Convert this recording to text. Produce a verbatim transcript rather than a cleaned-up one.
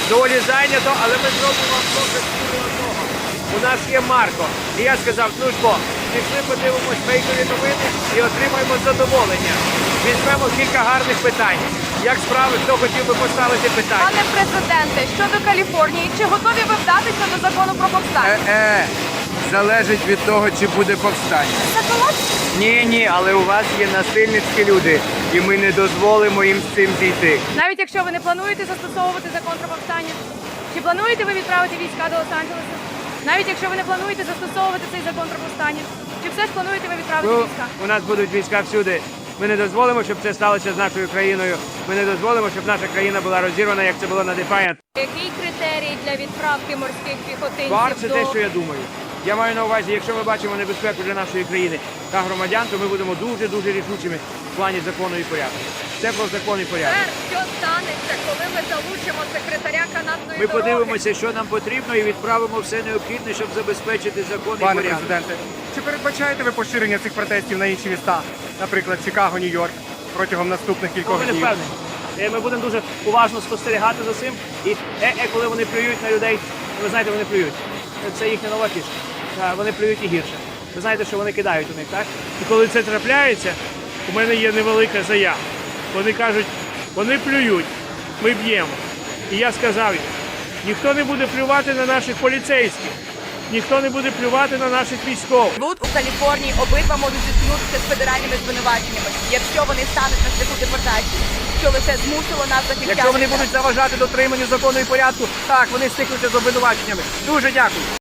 доволі зайнято, але ми зробимо вам добре одного. У нас є Марко. І я сказав, ну що, пішли подивимось фейкові новини і отримаємо задоволення. Візьмемо кілька гарних питань. Як справи, хто хотів би поставити питання? Пане президенте, щодо Каліфорнії, чи готові ви вдатися до закону про повстання? Е-е, залежить від того, чи буде повстання. Ні, ні, але у вас є насильницькі люди, і ми не дозволимо їм з цим зійти. Навіть якщо ви не плануєте застосовувати закон про повстання, чи плануєте ви відправити війська до Лос-Анджелеса? Навіть якщо ви не плануєте застосовувати цей закон про повстання, чи все ж плануєте ви відправити Ну, війська? у нас будуть війська всюди. Ми не дозволимо, щоб це сталося з нашою країною. Ми не дозволимо, щоб наша країна була розірвана, як це було на Defiant. Який критерій для відправки морських піхотинців Бар – це до... те, що я думаю. Я маю на увазі, якщо ми бачимо небезпеку для нашої країни та громадян, то ми будемо дуже-дуже рішучими в плані закону і порядку. Це про закон і порядок. Що станеться, коли ми залучимо секретаря канатної Ми дороги? подивимося, що нам потрібно, і відправимо все необхідне, щоб забезпечити закон і Пане порядок. президенте, чи передбачаєте ви поширення цих протестів на інші міста, наприклад, Чикаго, Нью-Йорк, протягом наступних кількох Ми не днів? впевнені. Е, Ми будемо дуже уважно спостерігати за цим. І е-е, коли вони плюють на людей, ви знаєте, вони плюють. Це їхня нова фішка. Е, Вони плюють і гірше. Ви знаєте, що вони кидають у них, так? І коли це трапляється, у мене є невелика заява. Вони кажуть, вони плюють, ми б'ємо. І я сказав їм, ніхто не буде плювати на наших поліцейських, ніхто не буде плювати на наших військових. Суд у Каліфорнії обидва можуть зіткнутися з федеральними звинуваченнями, якщо вони стануть на шляху депортації, що лише змусило нас захищати. Якщо вони будуть заважати дотриманню закону і порядку, так, вони стикнуться з обвинуваченнями. Дуже дякую.